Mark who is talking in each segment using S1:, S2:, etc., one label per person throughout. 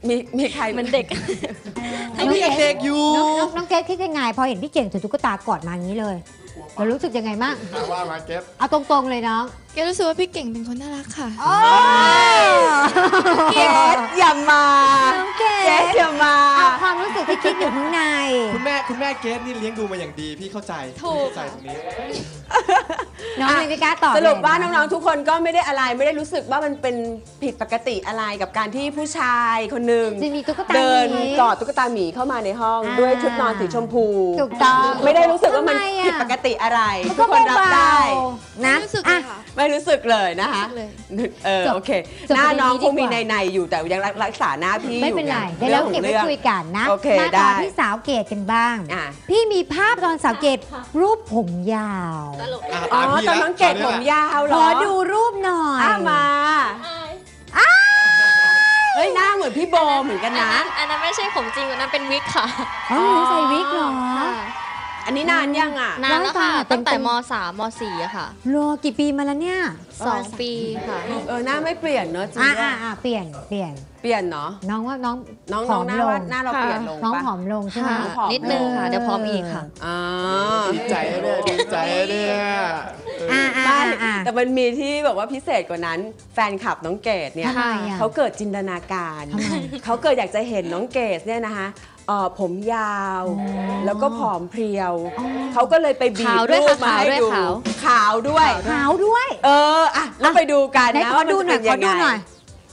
S1: มีใคร
S2: เหมือนเด็ก
S3: น้องเด็กอยู่
S4: น้องเกดคิดยังไงพอเห็นพี่เก่งถือตุ๊กตากอดมาอย่างนี้เลยเรารู้สึกยังไงบ้าง
S3: ว่ามาเก็บ
S4: เอาตรงๆเลยน้อง
S2: เกดรู้สึกว่าพี่เก่งเป็นคนน่ารักค่ะ
S1: เกดอย่ามาเกดอย่ามา
S4: เอาความรู้สึกที่คิดอยู่ข้างใน
S3: คุณแม่เกดนี่เลี้ยงดูมาอย่างดีพี่เข้าใจตรงนี้
S4: น้องเลยไม่กล้าตอบ
S1: สรุปว่าน้องๆทุกคนก็ไม่ได้อะไรไม่ได้รู้สึกว่ามันเป็นผิดปกติอะไรกับการที่ผู้ชายคนหนึ่งเดินกอดตุ๊กตาหมีเข้ามาในห้องด้วยชุดนอนสีชมพู
S4: ถูกต้อง
S1: ไม่ได้รู้สึกว่ามันผิดปกติอะไรทุกคนรับได้
S2: นะรู้สึกค่ะ
S1: ไม่รู้สึกเลยนะคะโอเคหน้าน้องคงมีในอยู่แต่ยังรักษาหน้าพี่
S4: ไม่เป็นไรเดี๋ยวเราเก็บไว้คุยกันนะมาต่อที่สาวเกดกันบ้างพี่มีภาพตอนสาวเกดรูปผมยาว
S1: อ๋อตอนน้องเกดผมยาวเหรอ
S4: ขอดูรูปหน่อย
S1: มาเฮ้ยหน้าเหมือนพี่โบเหมือนกันนะ
S2: อันนั้นไม่ใช่ผมจริงอันนั้นเป็นวิกค่ะ
S4: อ๋อใส่วิกเหรอ
S1: อันนี้นานยังอ่ะ
S2: นานแล้วค่ะตั้งแต่ม.3 ม.4 อะค่ะ
S4: รอกี่ปีมาแล้วเนี่ย
S2: 2 ปีค่ะ
S1: หน้าไม่เปลี่ยนเนอะจริง
S4: เปลี่ยน
S1: เนาะ
S4: น้องว่าน้อง
S1: ผอมลงหน้าเราเปลี่ยนลง
S4: น้องผอมลงใช่ไหม
S2: นิดนึงค่ะเดี๋ยวพร้อมอีกค่ะ
S3: ดีใจเนี่ย
S1: แต่มันมีที่แบบว่าพิเศษกว่านั้นแฟนคลับน้องเกดเนี่ยเขาเกิดจินตนาการเขาเกิดอยากจะเห็นน้องเกดเนี่ยนะคะผมยาวแล้วก็ผอมเพรียวเขาก็เลยไปบีบรูปมาให้ดูขาวด้วยแล้วไปดูกันนะว่าดูหน่อยขอดูหน่อย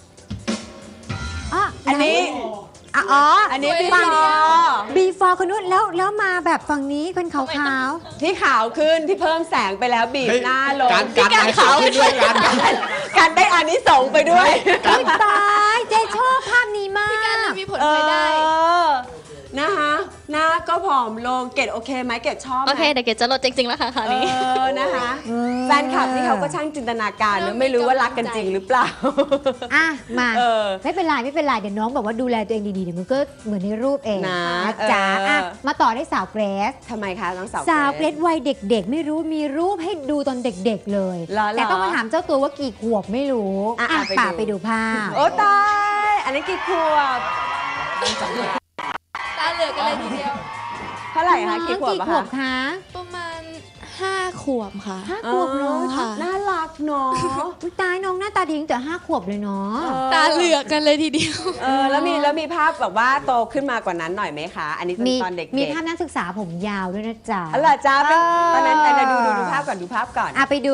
S1: อันนี้อันนี้
S4: before คนนู้นแล้วมาแบบฝั่งนี้เป็นขาว
S1: ที่ขาวขึ้นที่เพิ่มแสงไปแล้วบีบหน้าลง
S3: การขาวขึ้นด้วย
S1: การได้อานิสงส์ไปด้วย
S4: ตายเจ๊ชอบภาพนี้มาก
S2: พี่การมีผลพลอยได้
S1: นะคะหน้าก็ผอมลงเกดโอเคไหมเกดชอบไหม
S2: โอเคแต่เกดจะลดจริงๆแล้วค่ะคราวนี้
S1: นะคะแฟนคลับนี่เขาก็ช่างจินตนาการนะไม่รู้ว่ารักกันจริงหรือเปล่า
S4: มาไม่เป็นไรเดี๋ยวน้องบอกว่าดูแลตัวเองดีๆเดี๋ยวมันก็เหมือนในรูปเองนะจ๊ะมาต่อได้สาวเกรซ
S1: ทำไมคะน้อง
S4: สาวเกรซวัยเด็กๆไม่รู้มีรูปให้ดูตอนเด็กๆเลยแต่ต้องมาถามเจ้าตัวว่ากี่ขวบไม่รู้ไปดูภาพ
S1: โอ้ตายอันนี้กี่ขวบ
S2: ตาเหลือกกันเลยทีเดียว
S1: เท่าไหร่คะกี่ขวบ
S4: คะ
S2: ประมาณ5 ขวบค่ะ
S4: 5 ขวบเลย
S1: ค่ะน่ารักเนาะ
S4: ตายน้องหน้าตาดีแต่5 ขวบเลยเนาะ
S2: ตาเหลือกกันเลยทีเดียว
S1: แล้วมีภาพแบบว่าโตขึ้นมากว่านั้นหน่อยไหมคะอันนี้ตอนเด็ก
S4: มีภาพนักศึกษาผมยาวด้วยนะจ๊ะ
S1: อะไรจ๊ะตอนนั้นแต่ดูภาพก่อน
S4: ไปดู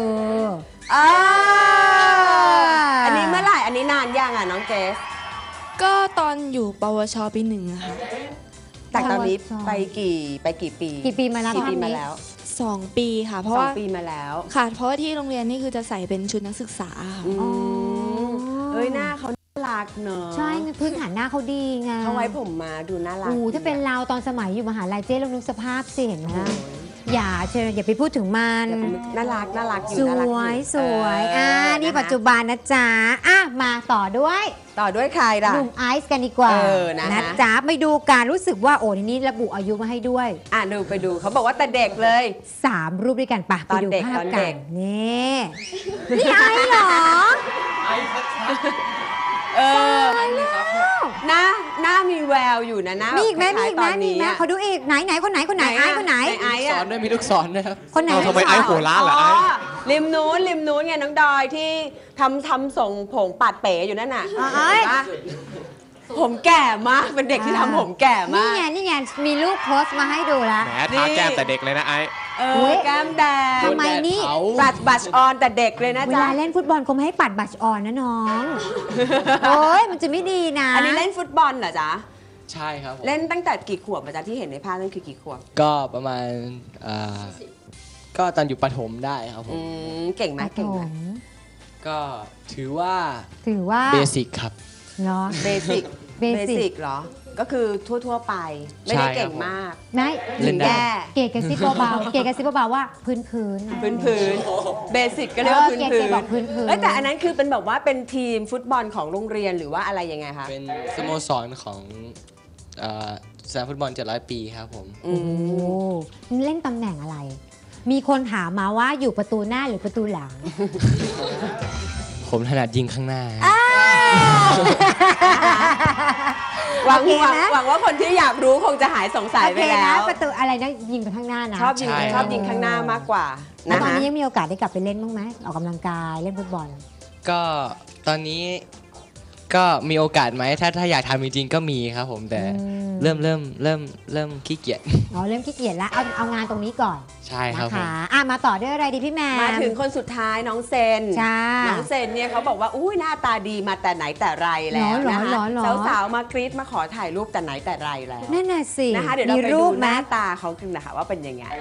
S1: อันนี้เมื่อไหร่อันนี้นานยังอ่ะน้องเจส
S2: ก็ตอนอยู่ปวชปี 1อะค่ะ
S1: แต่ตอนนี้ไปกี่ปี
S4: มาแล้ว
S2: 2 ปีค่ะเพราะว่า
S1: 2 ปีมาแล้ว
S2: ค่ะเพราะว่าที่โรงเรียนนี่คือจะใส่เป็นชุดนักศึกษาค่ะ
S1: หน้าเขาน่ารักเนอะ
S4: ใช่พื้นฐานหน้าเขาดีไง
S1: เขาไว้ผมมาดูน่ารัก
S4: ถ้าเป็นเราตอนสมัยอยู่มหาลัยเจ๊ลองนึกสภาพสิเห็นไหมอย่าไปพูดถึงมัน
S1: น่ารัก
S4: สวยนี่ปัจจุบันนะจ๊ะมาต่อด้วย
S1: ใครล่ะ
S4: หนุ่มไอซ์กันดีกว่านะจ๊ะไปดูการรู้สึกว่าโอ้นี่ระบุอายุมาให้ด้วย
S1: ไปดูเขาบอกว่าแต่เด็กเลย
S4: 3 รูปด้วยกันไปดูภาพกันนี่ไอซ์เหรอ
S1: หน้ามีแววอยู่นะ
S4: มีอีกไหมเขาดูอีกไหนคนไหนไอ้คนไหน
S3: สอนด้วยมีลูกศรด้วยครับ
S4: คนไหน
S3: ทำไมไอ้โหร้าเหรอ
S1: ริมนู้นไงน้องดอยที่ทำส่งผมปัดเป๋อยู่นั่นน่ะผมแก่มากเป็นเด็กที่ทำผมแก่มาก
S4: นี่ไงมีรูปโพสต์มาให้ดูแล้ว
S3: แหมทาแก้มแต่เด็กเลยนะไอ้
S1: แก้มแดง
S4: ทำไมนี่
S1: บัชออนแต่เด็กเลยนะจ๊ะ
S4: เวลาเล่นฟุตบอลคงไม่ให้ปัดบัชออนนะน้องโอ้ยมันจะไม่ดีนะ
S1: อันนี้เล่นฟุตบอลเหรอจ๊ะ
S3: ใช่ครับ
S1: เล่นตั้งแต่กี่ขวบอาจารย์ที่เห็นในภาพนั่นคือกี่ขวบ
S3: ก็ประมาณก็ตอนอยู่ประถมได้ครับผม
S1: เก่งไหม
S3: ก็ถือว่าเบสิกครับ
S4: เนาะ
S1: เบสิกเหรอก็คือทั่วไปไม่ได้เก่งมาก
S4: เล่นได้เกดกระซิบเบาว่าพื้น
S1: เบสิกก็เรียกว่าพื้นแต่อันนั้นคือเป็นแบบว่าเป็นทีมฟุตบอลของโรงเรียนหรือว่าอะไรยังไงคะ
S3: เป็นสโมสรของสนามฟุตบอล700 ปีครับผม
S4: เล่นตำแหน่งอะไรมีคนถามมาว่าอยู่ประตูหน้าหรือประตูหลัง
S3: ผมถนัดยิงข้างหน้า
S1: หวัง
S4: โอเคนะ
S1: หวังว่าคนที่อยากรู้คงจะหายสงสัย
S4: โอ
S1: ไป
S4: เค
S1: แล้
S4: นะ
S1: ว
S4: ประตูอะไรนะยิงไปข้างหน้านะ
S1: ชอบยิง
S3: ใช่
S1: ชอบยิงข้างหน้ามากกว่า
S4: แล้ว
S1: นะ
S4: ตอน
S1: คะ
S4: นี้ยังมีโอกาสได้กลับไปเล่นบ้างไหมออกกำลังกายเล่นฟุตบอล
S3: ก็ตอนนี้ก็มีโอกาสไหมถ้าอยากทำจริงๆก็มีครับผมแต่
S4: อืม
S3: เริ่มขี้เกียจ
S4: อ๋อเริ่มขี้เกียจแล้วเอางานตรงนี้ก่อน
S3: ใช่ครั
S4: นะ
S3: บผม
S4: คะมาต่อด้วยอะไรดีพี่แมน
S1: มาถึงคนสุดท้ายน้องเซน
S4: จ้า
S1: น้องเซนเนี่ยเขาบอกว่าอุ้ยหน้าตาดีมาแต่ไหนแต่ไรแล้ว
S4: หรอ
S1: นะ
S4: หร
S1: คะ
S4: อหรอ
S1: สาวๆมากรี๊ดมาขอถ่ายรูปแต่ไหนแต่ไรแล้ว
S4: นั่นน่ะสิ
S1: นะคะเดี๋ยวเรา
S4: มี
S1: ไป
S4: รู
S1: ดู
S4: ป
S1: ห
S4: ไหม
S1: น้าตาเขากันนะคะว่าเป็นยังไง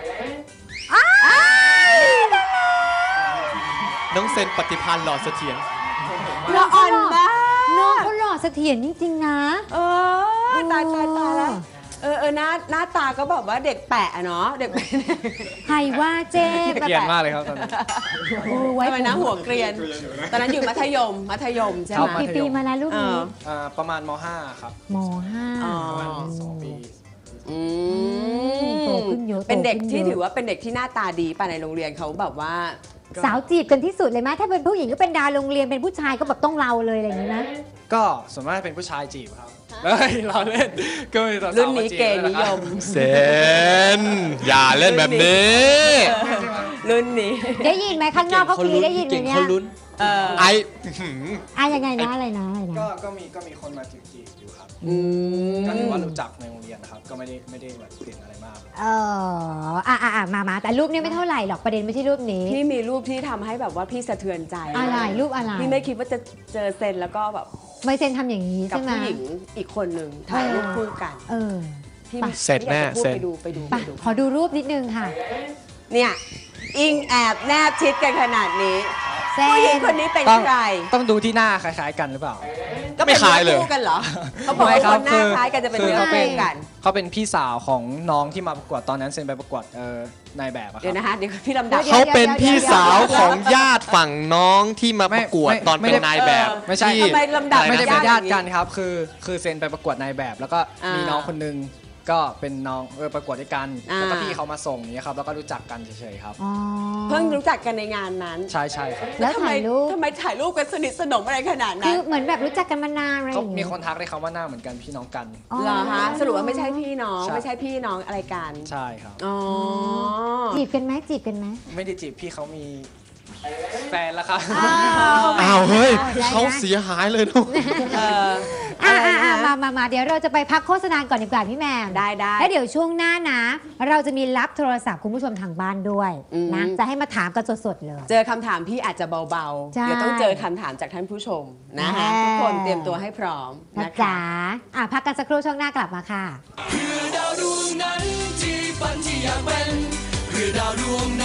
S5: น้องเซนปฏิพันธ์หล่อเสถียร
S1: ละอ่อนมาก
S4: น้องเขาหล่อเสถียรจริงๆนะ
S1: เออตายแล้วหน้าตาก็แบบว่าเด็กแปะอะเนาะเด็กแปะ
S4: ใครว่าเจ๊
S5: เกลียดมากเลยครับตอนนี้
S4: โอ้ไว้
S1: ทำไมนะหัวเกรียน ตอนนั้นอยู่มัธยมใช่
S5: ครั
S1: ไหม
S5: บ
S4: กี่ปีมาแล้วรูป
S1: เอ
S4: นี้
S1: อ
S5: ประมาณม .5 ครับ
S4: มห้า
S1: อ๋อ
S5: ประมาณ2 ปี
S1: อืม
S4: โตขึ้นเยอะ
S1: เป็นเด็ก
S4: โตขึ้น
S1: ที่
S4: เยอะ
S1: ถือว่าเป็นเด็กที่หน้าตาดีป่ะในโรงเรียนเขาแบบว่า
S4: สาวจีบกันที่สุดเลยไหมถ้าเป็นผู้หญิงก็เป็นดาวโรงเรียนเป็นผู้ชายก็แบบต้องเราเลยอะไรอย่างนี้นะ
S5: ก็ส่วนมากเป็นผู้ชายจีบครับเฮ้ยเราเล่นก็มีสาวๆ
S1: รุ่นนี้
S5: มาจีบ
S1: เกย์นิยม
S5: เซนอย่าเล่นแบบนี้
S1: รุ่นนี้
S4: ได้ยินไหมข้างนอกเขากรีดได้ยินไหม
S3: เก่ง
S4: เนี่ย
S3: เขาลุ้น
S1: เออ
S5: ไอ
S4: ยังไงนะอะไรนะ
S5: ก็มีคนมาจีบอยู่ครับ
S1: อืม
S5: ก็ถือว่ารู้จักในโรงเรียนนะครับก็ไม่ได้แบบเปลี่ยนอะไรมาก
S4: มาแต่รูปเนี้ไม่เท่าไหร่หรอกประเด็นไม่ใช่รูปนี้
S1: พี่มีรูปที่ทำให้แบบว่าพี่สะเทือนใจ
S4: อะไรรูปอะไร
S1: พี่ไม่คิดว่าจะเจอเซนแล้วก็แบบ
S4: ไม่เซนทำอย่างนี้
S1: กับ
S4: ใช่ไหม
S1: ผู้หญิงอีกคนหนึ่งถ่ายรูปคู่กัน
S4: เออ
S1: พี่
S4: ไป
S5: เสร็จแน่
S1: ไม่อยากจะพูด
S5: เสร็จ
S1: ไปดู
S4: ไปขอดูรูปนิดนึงค่ะ
S1: เนี่ยอิงแอบแนบชิดกันขนาดนี้
S4: เซ
S1: ผู้หญิง
S4: น
S1: คนนี้เป็น
S5: ต้อง
S1: ใคร
S5: ต้องดูที่หน้าคล้ายๆกันหรือเปล่า
S1: ก็เป็น
S5: ไม่คล้ายเลย
S1: นื้อคู่กันเหรอเขาบอกว่าคนหน้าคล้ายกันจะเป็น
S5: คือ
S1: เนื้อ
S5: เขาเป็
S1: คู่
S5: น
S1: กัน
S5: เขาเป็นพี่สาวของน้องที่มาประกวดตอนนั้นเซนไปประกวดนายแบบอะค
S1: เดี๋
S5: รั
S1: ยว
S5: บ
S1: นะคะเดี๋ยวพี่ลำดับ
S4: ดี๋ยว
S6: เขาเป็นพี่สาวของญาติฝั่งน้องที่มาประกวด
S5: ไม่
S6: ตอน
S5: ไม่
S6: เป็นนายแบบ
S5: ไม่ใช่
S6: ที่
S1: ทำไมลำดับ
S5: ไม่ได้เป็นญาติ
S1: อย่าง
S5: กันครับคือเซนไปประกวดนายแบบ แล้วก็
S1: อ่ามี
S5: มีน้องคนนึงก็เป็นน้องประกวดด้วยกัน
S1: อ่า
S5: แล้วก็พี่เขามาส่งอย่างเงี้ยครับแล้วก็รู้จักกันเฉยๆครับ
S4: อ๋อ
S1: เพิ่งรู้จักกันในงานนั้น
S5: ใช่ครับ
S4: แล้ว
S1: ทำไม
S4: ถ่ายรูป
S1: ทำไมถ่ายรูปกันสนิทสนมอะไรขนาด
S4: คื
S1: นั้น
S4: อเหมือนแบบรู้จักกันมานานอะไรอ
S5: เขา
S4: ย่าง
S5: มี
S4: เงี้ย
S5: คนทักได้เขาว่าหน้าเหมือนกันพี่น้องกัน
S1: เหรอฮะสรุปว่าไม่ใช่พี่น้อง
S5: ใช่
S1: ไม่ใช่พี่น้องอะไรกัน
S5: ใช่ครับ
S1: อ๋อ
S4: จีบกันไหมจีบกันไหม
S5: ไม่ได้จีบพี่เขามีแฟนแล้วครับ
S6: อ้าวเฮ้ย
S4: ได้นะ
S6: เขาเสียหายเลยลูก
S1: เออ
S4: มาเดี๋ยวเราจะไปพักโฆษณาก่อนดีกว่าพี่แมม
S1: ได้
S4: แล้วเดี๋ยวช่วงหน้านะ เราจะมีรับโทรศัพท์คุณผู้ชมทางบ้านด้วย
S1: อืม
S4: นะ จะให้มาถามกันสดๆเลย
S1: เจอคำถามพี่อาจจะเบา
S4: ใช่
S1: ๆ เดี๋ยวต้องเจอคำถามจากท่านผู้ชมนะคะ
S4: แน่
S1: ทุกคนเตรียมตัวให้พร้อม
S4: นะ
S1: นะคะ
S4: จ๊ะพักกันสักครู่ช่วงหน้ากลับมาค่ะ
S7: เพื่อดาวดวงนั้นที่ฝันที่อยากเป็นเพื่อดาวดวงนั้น